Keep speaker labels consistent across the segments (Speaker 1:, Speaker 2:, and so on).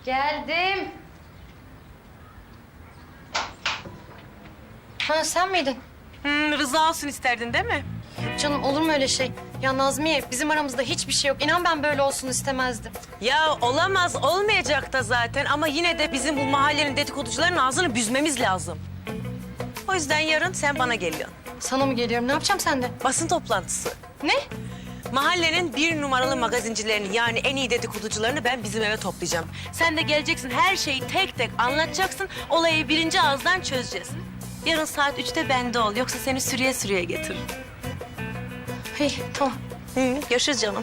Speaker 1: Geldim. Ha sen miydin?
Speaker 2: Rıza olsun isterdin değil mi?
Speaker 1: Canım olur mu öyle şey? Ya Nazmiye bizim aramızda hiçbir şey yok. İnan ben böyle olsun istemezdim.
Speaker 2: Ya olamaz, olmayacak da zaten ama yine de bizim bu mahallenin dedikoducuların ağzını büzmemiz lazım. O yüzden yarın sen bana geliyorsun.
Speaker 1: Sana mı geliyorum? Ne yapacağım sende?
Speaker 2: Basın toplantısı.
Speaker 1: Ne?
Speaker 2: Mahallenin 1 numaralı magazincilerini yani en iyi dedikoducularını ben bizim eve toplayacağım. Sen de geleceksin her şeyi tek tek anlatacaksın. Olayı birinci ağızdan çözeceğiz. Yarın saat 3'te bende ol yoksa seni sürüye sürüye getiririm.
Speaker 1: İyi tamam.
Speaker 2: Görüşürüz canım.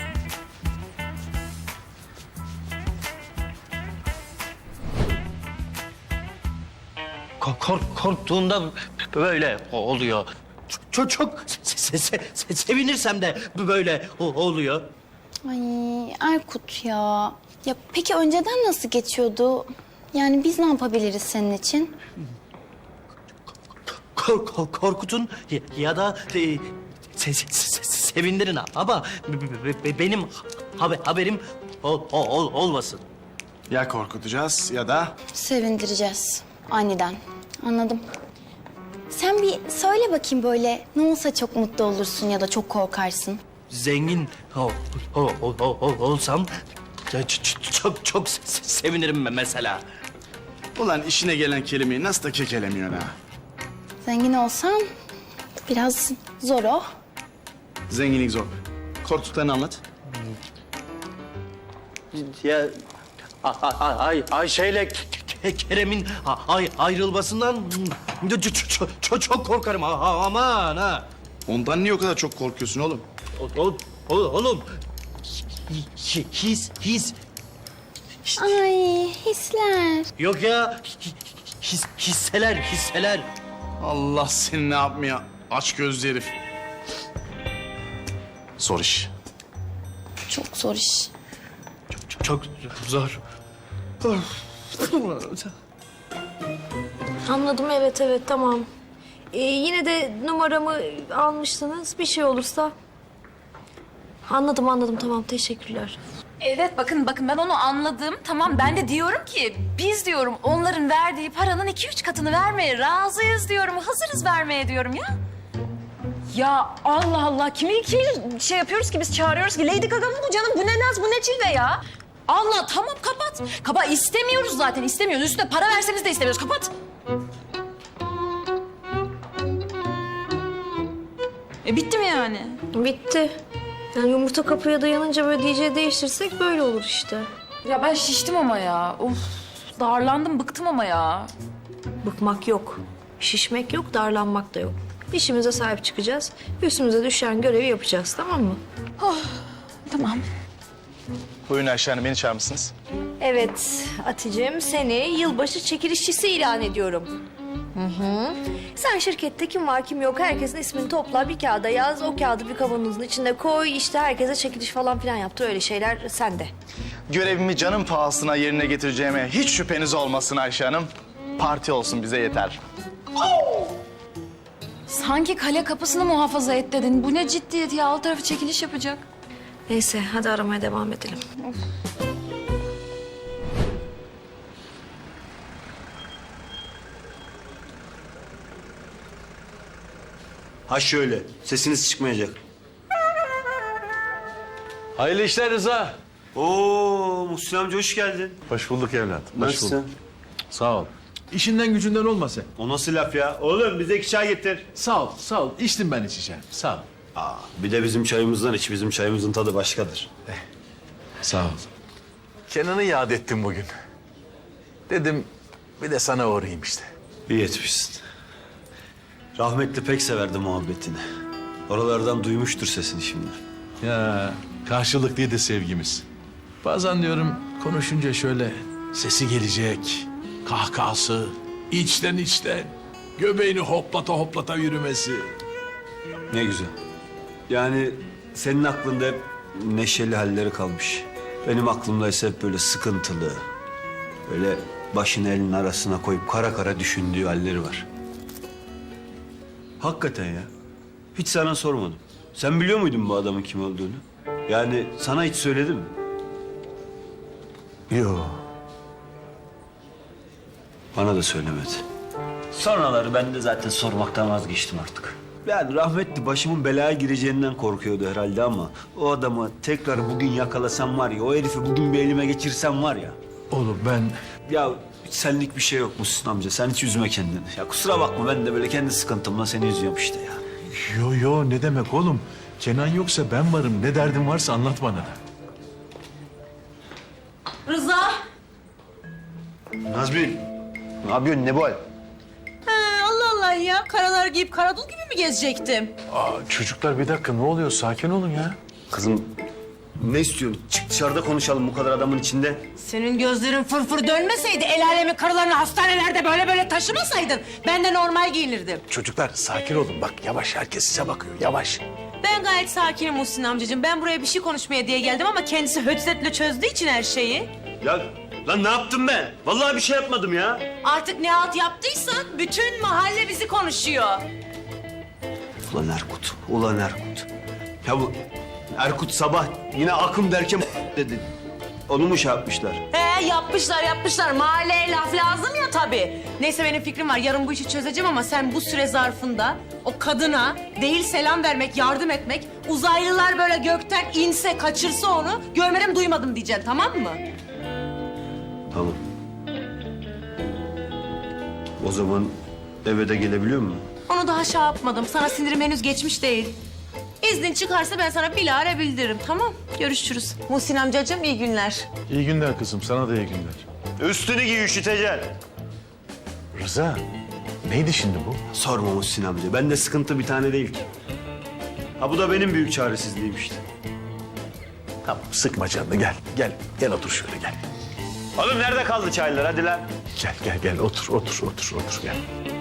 Speaker 3: Korktuğunda böyle oluyor. Çok sevinirsem de böyle oluyor.
Speaker 4: Ay Erkut ya. Ya peki önceden nasıl geçiyordu? Yani biz ne yapabiliriz senin için?
Speaker 3: Korkutun ya da sevindirin ama benim haberim olmasın.
Speaker 5: Ya korkutacağız ya da...
Speaker 4: Sevindireceğiz aniden. Anladım. Sen bir söyle bakayım böyle ne olsa çok mutlu olursun ya da çok korkarsın.
Speaker 3: Zengin olsam çok sevinirim mesela.
Speaker 5: Ulan işine gelen kelimeyi nasıl da kekelemiyorsun ha?
Speaker 4: Zengin olsan biraz zor o.
Speaker 5: Zenginlik zor. Korktuklarını anlat.
Speaker 3: Ya Ayşe'yle Kerem'in ayrılmasından çok korkarım. Aman ha.
Speaker 5: Ondan niye o kadar çok korkuyorsun oğlum?
Speaker 3: Oğlum his
Speaker 4: Ay hisler.
Speaker 3: yok ya hisseler.
Speaker 5: Allah seni ne yapmaya aç gözlü herif. Zor iş.
Speaker 4: Çok zor iş.
Speaker 3: Çok zor.
Speaker 6: Anladım, evet tamam. Yine de numaramı almıştınız. Bir şey olursa... Anladım tamam, teşekkürler.
Speaker 7: Evet bakın ben onu anladım. Tamam ben de diyorum ki biz diyorum onların verdiği paranın 2-3 katını vermeye razıyız diyorum. Hazırız vermeye diyorum ya. Ya Allah Allah kimi şey yapıyoruz ki biz çağırıyoruz ki Lady Gaga mı bu canım? Bu ne naz bu ne cilve ya? Allah tamam kapat. Kapat istemiyoruz zaten istemiyoruz. Üstüne para verseniz de istemiyoruz kapat. Bitti mi yani?
Speaker 6: Bitti. Yani yumurta kapıya dayanınca böyle DJ değiştirsek böyle olur işte.
Speaker 7: Ya ben şiştim ama ya. Of darlandım bıktım ama ya.
Speaker 6: Bıkmak yok. Şişmek yok, darlanmak da yok. İşimize sahip çıkacağız. Üstümüze düşen görevi yapacağız, tamam mı?
Speaker 7: Tamam.
Speaker 5: Buyurun Ayşe Hanım, beni çağırmışsınız.
Speaker 6: Evet Hatice'm, seni yılbaşı çekilişçisi ilan ediyorum. Sen şirkette kim var kim yok herkesin ismini topla, bir kağıda yaz, o kağıdı bir kavanozun içinde koy, işte herkese çekiliş falan filan yaptır, öyle şeyler sende.
Speaker 5: Görevimi canım pahasına yerine getireceğime hiç şüpheniz olmasın Ayşe Hanım. Parti olsun bize yeter.
Speaker 7: Sanki kale kapısını muhafaza et dedin. Bu ne ciddiyet ya? Alt tarafı çekiliş yapacak.
Speaker 6: Neyse hadi aramaya devam edelim.
Speaker 8: Ha şöyle, sesiniz çıkmayacak.
Speaker 9: Hayırlı işler Rıza.
Speaker 8: Oo, Muhsin amca hoş geldin.
Speaker 9: Hoş bulduk evlat. Hoş
Speaker 8: Nasılsın?
Speaker 9: bulduk. Sağ ol. İşinden gücünden olma sen.
Speaker 8: O nasıl laf ya? Oğlum bize 2 çay getir.
Speaker 9: Sağ ol, sağ ol. İçtim ben içeceğim. Sağ ol.
Speaker 8: Aa, bir de bizim çayımızdan iç. Bizim çayımızın tadı başkadır.
Speaker 9: Sağ ol. Kenan'ı yad ettim bugün. Dedim bir de sana uğrayayım işte.
Speaker 8: İyi etmişsin. Rahmetli pek severdi muhabbetini. Oralardan duymuştur sesini şimdi.
Speaker 9: Ya karşılıklıydı sevgimiz. Bazen diyorum konuşunca şöyle sesi gelecek, kahkahası, içten göbeğini hoplata yürümesi.
Speaker 8: Ne güzel. Yani senin aklında hep neşeli halleri kalmış. Benim aklımda ise hep böyle sıkıntılı, böyle başını elinin arasına koyup kara kara düşündüğü halleri var. Hakikaten ya. Hiç sana sormadım. Sen biliyor muydun bu adamın kim olduğunu? Yani sana hiç söyledi mi?
Speaker 9: Yok.
Speaker 8: Bana da söylemedi. Sonraları ben de zaten sormaktan vazgeçtim artık. Yani rahmetli başımın belaya gireceğinden korkuyordu herhalde ama... ...o adamı tekrar bugün yakalasam var ya, o herifi bugün bir elime geçirsem var ya...
Speaker 9: Oğlum ben...
Speaker 8: Ya hiç senlik bir şey yok Muhsin amca, sen hiç üzme kendini. Ya kusura bakma, ben de böyle kendi sıkıntımla seni üzüyorum işte ya.
Speaker 9: Yo ne demek oğlum? Kenan yoksa ben varım. Ne derdin varsa anlat bana da.
Speaker 2: Rıza.
Speaker 3: Nazmi, ne yapıyorsun ne bu hal?
Speaker 2: Allah Allah ya. Karalar giyip karadul gibi mi gezecektim?
Speaker 9: Aa, çocuklar bir dakika ne oluyor? Sakin olun ya.
Speaker 8: Kızım ne istiyorsun? Çık dışarıda konuşalım bu kadar adamın içinde.
Speaker 2: Senin gözlerin fırfır dönmeseydi, el alemin karılarını hastanelerde böyle taşımasaydın... ...ben de normal giyinirdim.
Speaker 9: Çocuklar sakin olun. Bak yavaş, herkes size bakıyor. Yavaş.
Speaker 2: Ben gayet sakinim Muhsin amcacığım. Ben buraya bir şey konuşmaya diye geldim ama kendisi hötzetle çözdüğü için her şeyi.
Speaker 8: Ya lan ne yaptım ben? Vallahi bir şey yapmadım ya.
Speaker 2: Artık ne halt yaptıysan bütün mahalle bizi konuşuyor.
Speaker 8: Ulan Erkut, ulan Erkut. Ya bu Erkut sabah yine akım derken dedi. Onu mu şey yapmışlar?
Speaker 2: Yapmışlar. Mahalleye laf lazım ya tabii. Neyse benim fikrim var. Yarın bu işi çözeceğim ama sen bu süre zarfında o kadına değil selam vermek, yardım etmek, uzaylılar böyle gökten inse, kaçırsa onu görmedim duymadım diyeceksin, tamam mı?
Speaker 8: Tamam. O zaman eve de gelebiliyor mu?
Speaker 2: Onu daha şey yapmadım. Sana sinirim henüz geçmiş değil. İznin çıkarsa ben sana bilahare bildiririm, tamam? Görüşürüz. Muhsin amcacığım iyi günler.
Speaker 9: İyi günler kızım. Sana da iyi günler.
Speaker 8: Üstünü giy, üşüteceksin.
Speaker 9: Rıza, neydi şimdi bu?
Speaker 8: Sorma Muhsin amca. Bende sıkıntı bir tane değil ki. Ha bu da benim büyük çaresizliğim işte.
Speaker 9: Tamam, sıkma canını. Gel otur şöyle gel.
Speaker 8: Oğlum nerede kaldı çaylar? Hadi lan.
Speaker 9: Gel. Otur gel.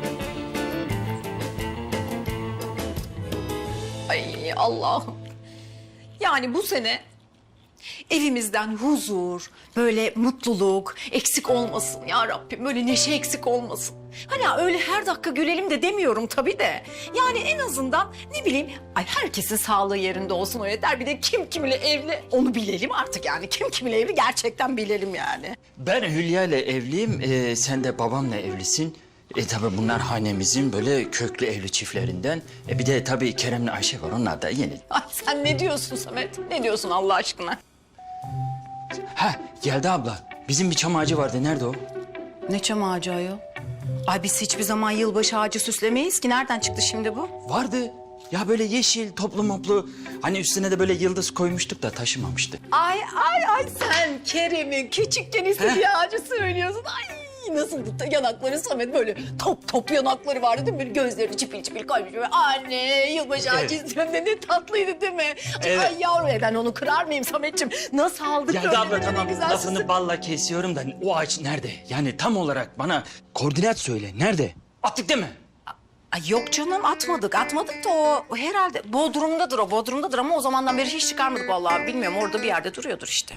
Speaker 10: Ay Allah'ım. Yani bu sene evimizden huzur, böyle mutluluk eksik olmasın ya Rabbim. Böyle neşe eksik olmasın. Hani öyle her dakika gülelim de demiyorum tabii de. Yani en azından ne bileyim, ay herkesin sağlığı yerinde olsun o yeter. Bir de kim kiminle evli onu bilelim artık yani. Kim kiminle evli gerçekten bilelim yani.
Speaker 11: Ben Hülya ile evliyim, sen de babamla evlisin. Tabii bunlar hanemizin böyle köklü evli çiftlerinden. Bir de tabii Kerem'le Ayşe var, onlar da yeni.
Speaker 10: Ay sen ne diyorsun Samet? Ne diyorsun Allah aşkına?
Speaker 11: Ha, geldi abla. Bizim bir çam ağacı vardı, nerede o?
Speaker 10: Ne çam ağacı ayol? Ay biz hiçbir zaman yılbaşı ağacı süslemeyiz ki. Nereden çıktı şimdi bu?
Speaker 11: Vardı. Ya böyle yeşil, toplu moplu. Hani üstüne de böyle yıldız koymuştuk da taşımamıştı.
Speaker 10: Ay sen Kerem'in küçükken istediği ağacı söylüyorsun. Ay nasıl yanakları Samet böyle top yanakları vardı değil mi? Böyle gözlerini çipil çipil koymuş böyle. Anne yılbaşı ağacı istiyorum de ne tatlıydı değil mi?
Speaker 11: Evet.
Speaker 10: Ay yavrum ben onu kırar mıyım Sametciğim? Nasıl aldık
Speaker 11: Geldi
Speaker 10: böyle
Speaker 11: abla,
Speaker 10: ne
Speaker 11: tamam.
Speaker 10: güzel
Speaker 11: Lafını
Speaker 10: süsü.
Speaker 11: balla kesiyorum da o ağaç nerede? Yani tam olarak bana koordinat söyle. Nerede? Attık değil mi?
Speaker 10: Ay yok canım atmadık da o herhalde Bodrum'dadır ama o zamandan beri hiç çıkarmadık vallahi bilmiyorum orada bir yerde duruyordur işte.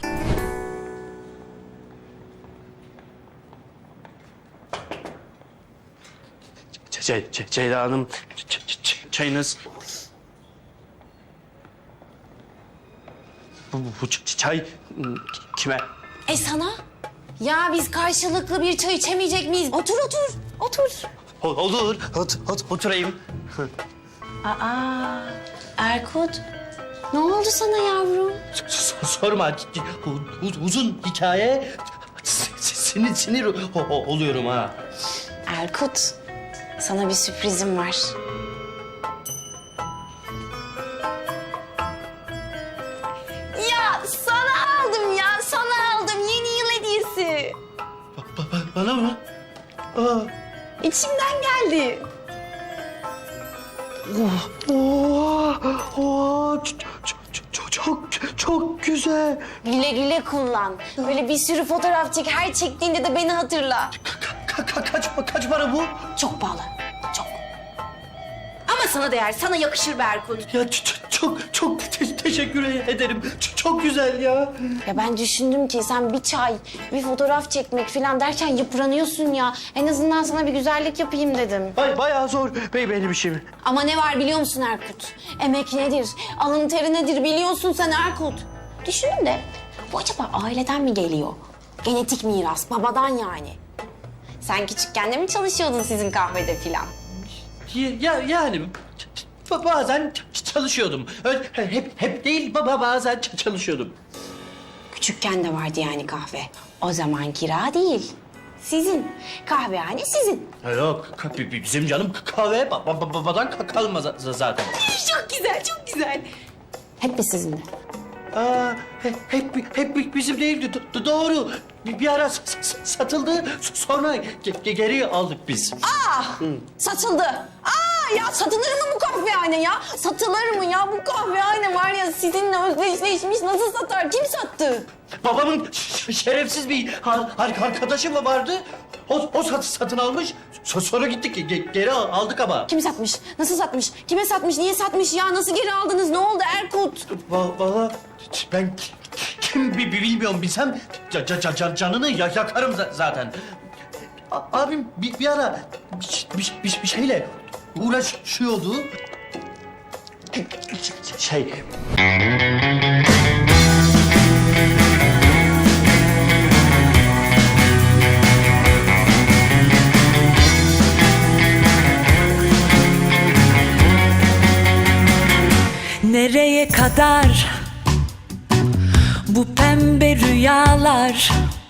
Speaker 3: Ceyda Hanım, çayınız. Bu çay kime?
Speaker 4: Sana? Ya biz karşılıklı bir çay içemeyecek miyiz? Otur.
Speaker 3: Olur, oturayım.
Speaker 4: Erkut, ne oldu sana yavrum?
Speaker 3: Sorma, uzun hikaye. Sinir oluyorum ha.
Speaker 4: Erkut, sana bir sürprizim var. Ya sana aldım yeni yıl hediyesi.
Speaker 3: Bana mı?
Speaker 4: İçimden geldi.
Speaker 3: Çok güzel.
Speaker 4: Güle güle kullan. Böyle bir sürü fotoğraf çek. Her çektiğinde de beni hatırla.
Speaker 3: Kaç para bu?
Speaker 4: Çok pahalı, çok. Ama sana değer, sana yakışır be Erkut.
Speaker 3: Ya çok teşekkür ederim. Çok güzel ya.
Speaker 4: Ya ben düşündüm ki sen bir çay, bir fotoğraf çekmek falan derken yıpranıyorsun ya. En azından sana bir güzellik yapayım dedim.
Speaker 3: Bayağı zor benim işim.
Speaker 4: Ama ne var biliyor musun Erkut? Emek nedir, alın teri nedir biliyorsun sen Erkut. Düşünün de bu acaba aileden mi geliyor? Genetik miras, babadan yani. Sen küçükken de mi çalışıyordun sizin kahvede filan?
Speaker 3: Yani bazen çalışıyordum. Öyle, hep değil bazen çalışıyordum.
Speaker 4: Küçükken de vardı yani kahve. O zaman kira değil. Sizin. Kahvehane sizin.
Speaker 3: Yok bizim canım kahve babadan kalmaz zaten.
Speaker 4: Çok güzel, çok güzel. Hep mi sizin de?
Speaker 3: Aa, hep bizim değildi. Doğru. Bir ara satıldı. Sonra geri aldık biz.
Speaker 4: Satıldı. Ya satılır mı bu kahvehane ya? Satılır mı ya? Bu kahvehane var ya sizinle özdeşleşmiş. Nasıl satar? Kim sattı?
Speaker 3: Babamın şerefsiz bir arkadaşı mı vardı? O satın almış. Sonra gittik geri aldık ama.
Speaker 4: Kim satmış? Nasıl satmış? Kime satmış? Niye satmış ya? Nasıl geri aldınız? Ne oldu Erkut?
Speaker 3: Valla ben kim bilmiyorum, bilsem canını yakarım zaten. Abim bir ara bir şeyle uğraşıyordu. Şey...
Speaker 12: Nereye kadar bu pembe rüyalar?